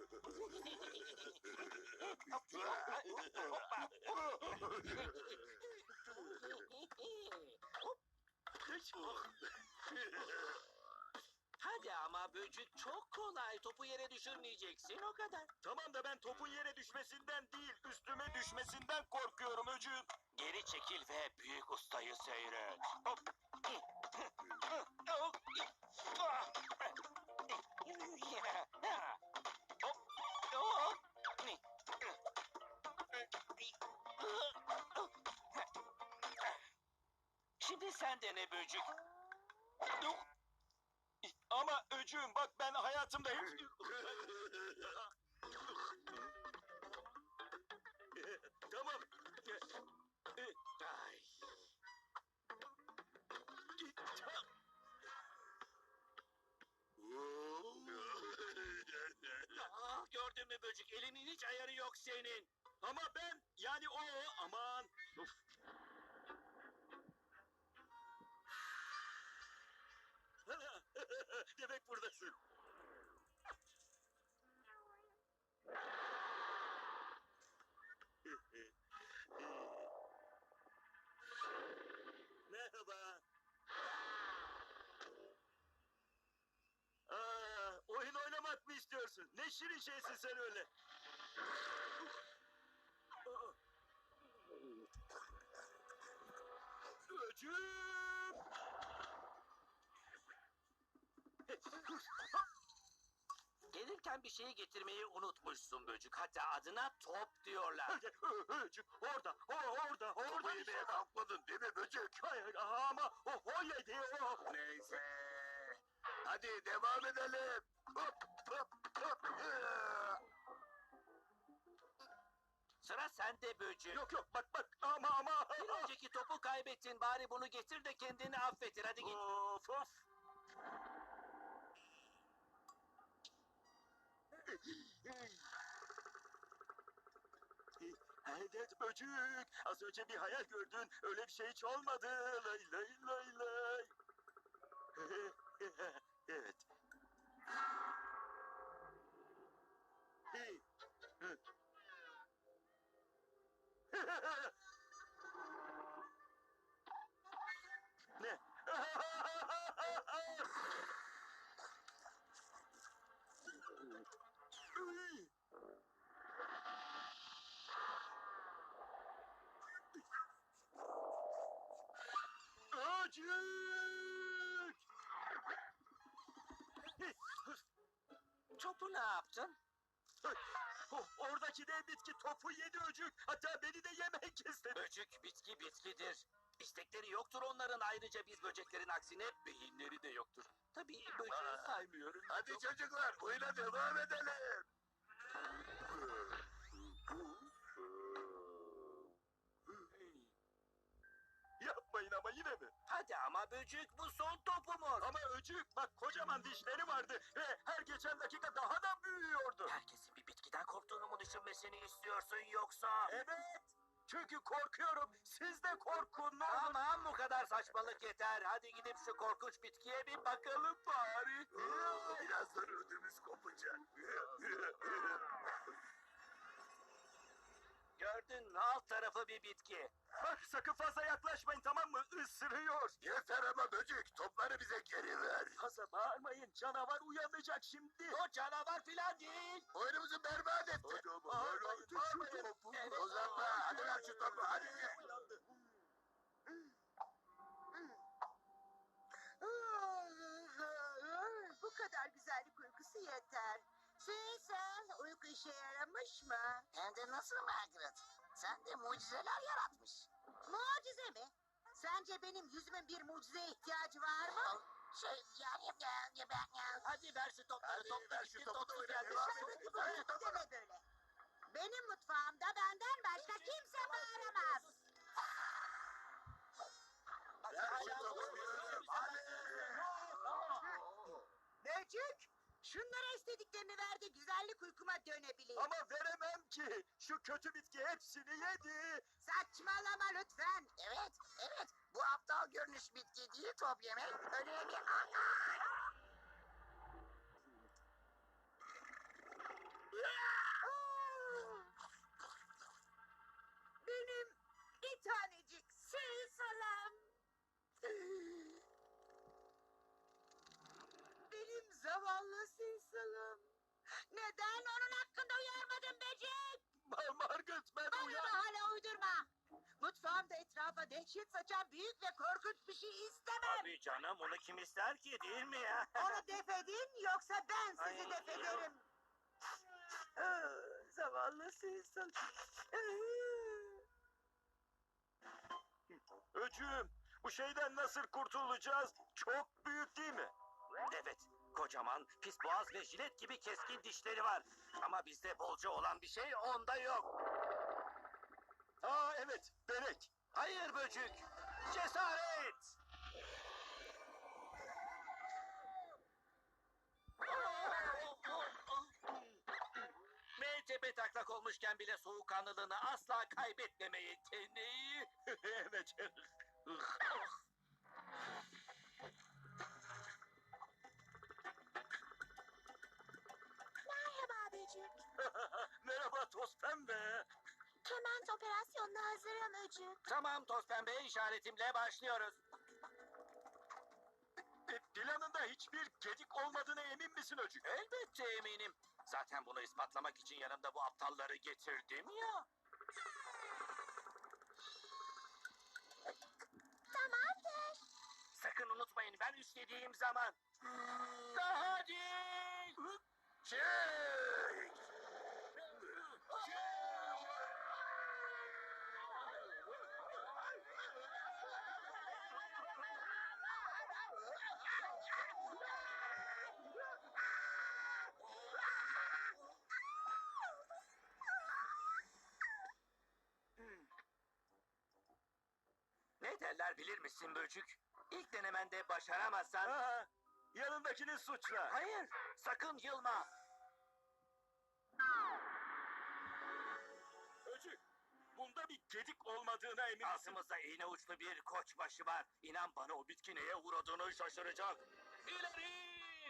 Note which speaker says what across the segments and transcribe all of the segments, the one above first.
Speaker 1: Hadi ama böcük çok kolay. Topu yere düşürmeyeceksin o kadar.
Speaker 2: Tamam da ben topun yere düşmesinden değil, üstüme düşmesinden korkuyorum öcüğüm.
Speaker 1: Geri çekil ve büyük ustayı seyret. Şimdi sen dene böcük.
Speaker 2: Ama öcüğüm bak ben hayatımda hiç... Tamam.
Speaker 1: Ay. Gördün mü böcük? Elinin hiç ayarı yok senin.
Speaker 2: Ama ben yani o aman. Of. Demek buradasın. Merhaba. Oyun oynamak mı istiyorsun? Ne şirin şeysin sen öyle. Öcüm!
Speaker 1: Gelirken bir şeyi getirmeyi unutmuşsun böcük. Hatta adına top diyorlar.
Speaker 2: Öcük orada, orada.
Speaker 3: Topu yemeye kalkmadın değil mi böcek?
Speaker 2: Hayır ama o yedi o.
Speaker 3: Neyse. Hadi devam edelim. Hop hop hop.
Speaker 1: Sıra sende böcük.
Speaker 2: Yok bak ama.
Speaker 1: Bir önceki topu kaybettin. Bari bunu getir de kendini affettir. Hadi git.
Speaker 2: Of. Evet böcük. Az önce bir hayal gördün. Öyle bir şey hiç olmadı. Lay lay lay lay. Evet. Ne? Öcük!
Speaker 1: Topu ne yaptın?
Speaker 2: Oradaki dev bitki topu yedi öcük. Hatta beni de yemek istedi.
Speaker 1: Böcük bitkidir. İstekleri yoktur onların. Ayrıca biz böceklerin aksine beyinleri de yoktur. Tabii böceği saymıyorum.
Speaker 3: Hadi çocuklar oyuna devam edelim.
Speaker 2: Yapmayın ama yine mi?
Speaker 1: Hadi ama böcük bu son topumuz.
Speaker 2: Ama öcük bak kocaman dişleri vardı ve her geçen dakika daha da büyüyordu.
Speaker 1: Herkesin bir bitkiden korktuğunu mu düşünmesini istiyorsun yoksa?
Speaker 2: Evet. Çünkü korkuyorum. Siz de korkun. Ne olur.
Speaker 1: Tamam bu kadar saçmalık yeter. Hadi gidip şu korkunç bitkiye bir bakalım bari.
Speaker 3: Birazdan ödümüz kopacak.
Speaker 1: Gördün mü alt tarafı bir bitki.
Speaker 2: Bak sakın fazla yaklaşmayın tamam mı? Isırıyor.
Speaker 3: Yeter ama böcek topları bize geri ver.
Speaker 2: Fazla bağırmayın. Canavar uyanacak şimdi.
Speaker 1: O canavar filan değil.
Speaker 3: Oyunumuzu berbat etti.
Speaker 2: Hadi ama, ver artık şu topu.
Speaker 1: Evet.
Speaker 3: Uzatma hadi ver şu topu hadi.
Speaker 4: Bu kadar güzellik uykusu yeter. Sen uyku işe yaramış mı?
Speaker 5: Hem de nasıl Margaret? Sen de mucizeler yaratmış.
Speaker 4: Mucize mi? Sence benim yüzümün bir mucizeye ihtiyacı var mı?
Speaker 5: Ben.
Speaker 1: Hadi ver şu topları.
Speaker 3: Hadi
Speaker 1: Top
Speaker 3: ver
Speaker 1: gitti,
Speaker 3: şu topu
Speaker 1: top
Speaker 3: da oyna,
Speaker 1: geldi.
Speaker 3: devam
Speaker 4: Dışarıdaki
Speaker 3: edelim.
Speaker 4: bu
Speaker 3: Ver şu
Speaker 4: gürültü
Speaker 3: topu.
Speaker 4: deme böyle. Benim mutfağımda benden başka kimse bağıramaz.
Speaker 3: Ver şu topu. Hadi.
Speaker 4: Böcük, şunlara istediklerini ver de güzellik uykuma dönebileyim.
Speaker 2: Ama veremem ki. Şu kötü bitki hepsini yedi.
Speaker 4: Saçmalama lütfen.
Speaker 5: Evet. Bu aptal görünüş bitki değil top yemek. Öyle bir...
Speaker 4: Benim zavallı Cecil'ım. Neden onun hakkında uyarmadın böcek?
Speaker 2: Margaret ben
Speaker 4: Bana hala uydurma. Mutfağımda etrafa dehşet saçan büyük ve korkunç bir şey istemem.
Speaker 2: Tabii canım onu kim ister ki değil mi ya?
Speaker 4: Onu def edin yoksa ben sizi
Speaker 2: Ay.
Speaker 4: def ederim. Zavallı Cecil.
Speaker 2: Öcüğüm bu şeyden nasıl kurtulacağız? Çok büyük değil mi?
Speaker 1: Evet, kocaman, pis boğaz ve jilet gibi keskin dişleri var. Ama bizde bolca olan bir şey onda yok.
Speaker 2: Aa evet Berek.
Speaker 1: Hayır böcük, cesaret! Ve tepe taklak olmuşken bile soğukkanlılığını asla kaybetmeme yeteneği.
Speaker 2: Evet.
Speaker 6: Merhaba Böcük.
Speaker 2: Merhaba toz pembe.
Speaker 6: Kement operasyonuna hazırım Öcük.
Speaker 1: Tamam toz pembe işaretimle başlıyoruz.
Speaker 2: Planında hiçbir gedik olmadığına emin misin Öcük?
Speaker 1: Elbette eminim. Zaten bunu ispatlamak için yanımda bu aptalları getirdim ya.
Speaker 6: Tamamdır.
Speaker 1: Sakın unutmayın ben üstlediğim zaman. Daha değil.
Speaker 3: Çık!
Speaker 1: Ne derler bilir misin böcük? İlk denemende başaramazsan...
Speaker 2: Aa, yanındakini suçla.
Speaker 1: Hayır, sakın yılma.
Speaker 2: Öcük, bunda bir gedik olmadığına emin misin?
Speaker 1: Altımızda iğne uçlu bir koçbaşı var. İnan bana o bitki neye uğradığını şaşıracak. İleri!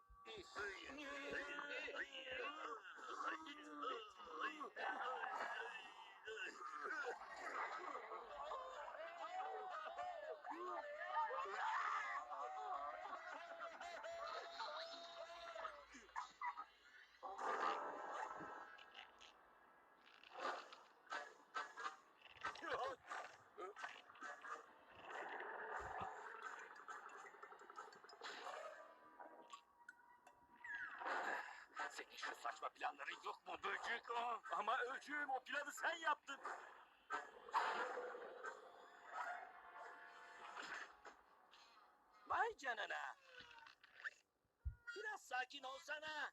Speaker 1: Senin şu saçma planların yok mu böcük? Ah!
Speaker 2: Ama Öcüğüm o planı sen yaptın.
Speaker 1: Vay canına. Biraz sakin olsana.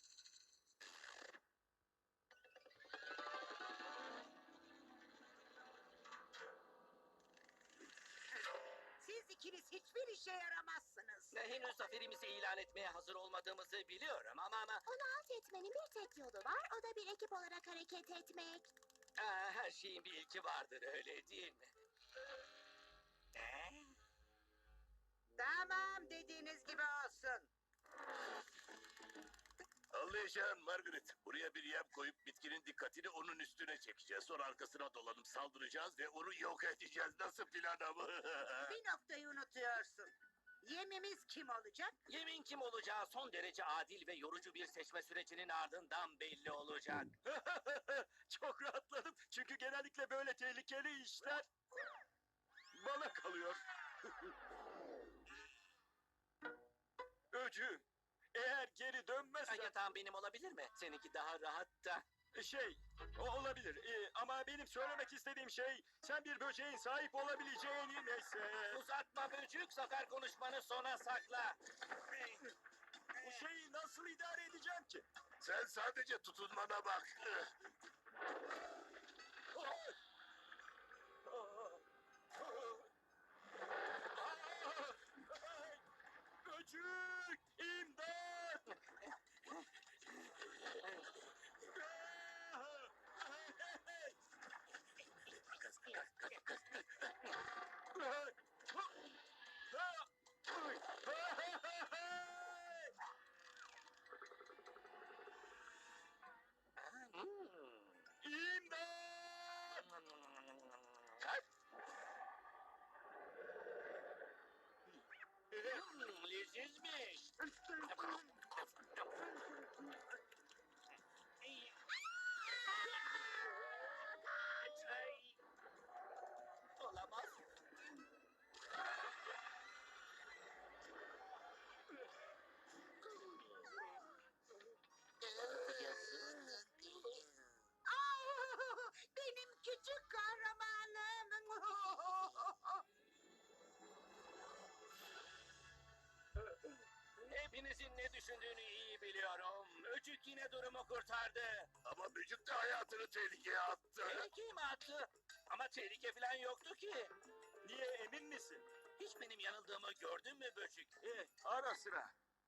Speaker 4: Siz ikiniz hiçbir işe yaramazsınız.
Speaker 1: Henüz zaferimizi ilan etmeye hazır olmadığımızı biliyorum ama...
Speaker 6: Onu alt etmenin bir tek yolu var. O da bir ekip olarak hareket etmek.
Speaker 1: Her şeyin bir ilki vardır öyle değil mi?
Speaker 4: Tamam dediğiniz gibi olsun.
Speaker 3: Anlayacağın Margaret. Buraya bir yem koyup bitkinin dikkatini onun üstüne çekeceğiz. Sonra arkasına dolanıp saldıracağız ve onu yok edeceğiz. Nasıl plan ama?
Speaker 4: Bir noktayı unutuyorsun. Yemimiz kim olacak?
Speaker 1: Yemin kim olacağı son derece adil ve yorucu bir seçme sürecinin ardından belli olacak.
Speaker 2: Çok rahatladım. Çünkü genellikle böyle tehlikeli işler bana kalıyor. Öcüğüm, eğer geri dönmezsen...
Speaker 1: Yatağım benim olabilir mi? Seninki daha rahat da.
Speaker 2: O olabilir. Ama benim söylemek istediğim şey sen bir böceğin sahip olabileceğini neyse.
Speaker 1: Uzatma böcük, zafer konuşmanı sona sakla.
Speaker 2: Bu şeyi nasıl idare edeceğim ki?
Speaker 3: Sen sadece tutunmana bak.
Speaker 2: Böcük! İmdat! İmdat!
Speaker 1: Lezizmiş. Hepinizin ne düşündüğünü iyi biliyorum. Öcük yine durumu kurtardı.
Speaker 3: Ama Mücük de hayatını tehlikeye attı.
Speaker 1: Tehlikeye mi attı? Ama tehlike falan yoktu ki.
Speaker 2: Niye, emin misin?
Speaker 1: Hiç benim yanıldığımı gördün mü Böcük?
Speaker 2: Ara sıra.